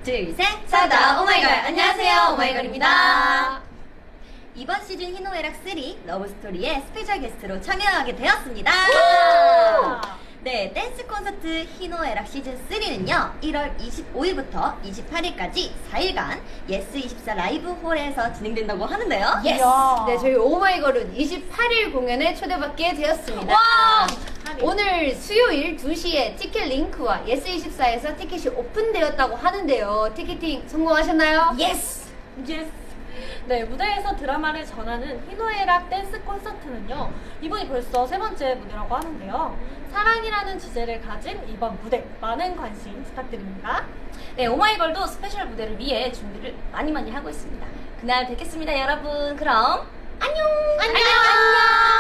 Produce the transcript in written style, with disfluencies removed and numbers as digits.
둘, 셋! 사다 오마이걸! 안녕하세요, 오마이걸입니다. 이번 시즌 희노애락 3 러브스토리에 스페셜 게스트로 참여하게 되었습니다. 네, 댄스 콘서트 희노애락 시즌 3는요 1월 25일부터 28일까지 4일간 예스24 라이브 홀에서 진행된다고 하는데요. 예스! 네, 저희 오마이걸은 28일 공연에 초대받게 되었습니다. 와! 오늘 수요일 2시에 티켓 링크와 예스24에서 티켓이 오픈되었다고 하는데요. 티켓팅 성공하셨나요? 예스! 예스! 네, 무대에서 드라마를 전하는 희노애락 댄스 콘서트는요, 이번이 벌써 세 번째 무대라고 하는데요. 사랑이라는 주제를 가진 이번 무대, 많은 관심 부탁드립니다. 네, 오마이걸도 스페셜 무대를 위해 준비를 많이 하고 있습니다. 그날 뵙겠습니다, 여러분. 그럼 안녕! 안녕!